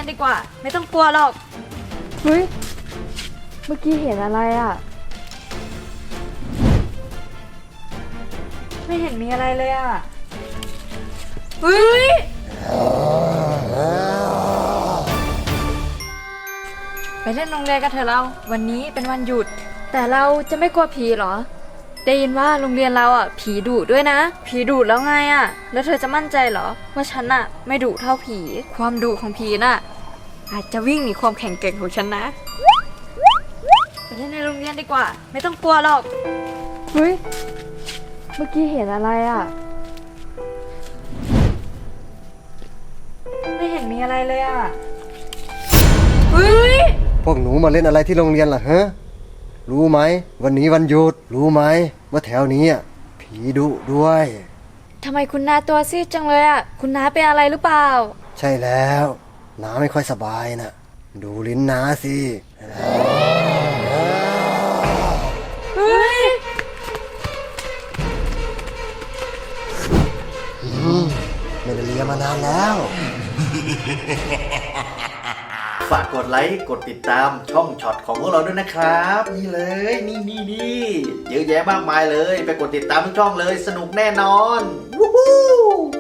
นดีกว่า ไม่ต้องกลัวหรอกเฮ้ยเมื่อกี้เห็นอะไรอ่ะไม่เห็นมีอะไรเลยอ่ะเฮ้ยไปเล่นโรงเรียนกันเถอะเราวันนี้เป็นวันหยุดแต่เราจะไม่กลัวผีเหรอได้ยินว่าโรงเรียนเราอ่ะผีดุด้วยนะผีดุแล้วไงอ่ะแล้วเธอจะมั่นใจเหรอว่าฉันอ่ะไม่ดุเท่าผีความดุของผีน่ะอาจจะวิ่งหนีความแข็งแกร่งของฉันนะไปเล่นในโรงเรียนดีกว่าไม่ต้องกลัวหรอกเฮ้ยเมื่อกี้เห็นอะไรอ่ะไม่เห็นมีอะไรเลยอ่ะเฮ้ยพวกหนูมาเล่นอะไรที่โรงเรียนล่ะฮะรู้ไหมวันนี้วันหยุดรู้ไหมว่าแถวนี้ผีดุด้วยทำไมคุณน้าตัวซีดจังเลยอ่ะคุณน้าเป็นอะไรหรือเปล่าใช่แล้วน้าไม่ค่อยสบายนะดูลิ้นน้าสิเฮ้ยไม่ได้เรียนมานานแล้วฝากกดไลค์กดติดตามช่องช็อตของพวกเราด้วยนะครับนี่เลยนี่เยอะแยะมากมายเลยไปกดติดตามทุกช่องเลยสนุกแน่นอนวู้ฮู้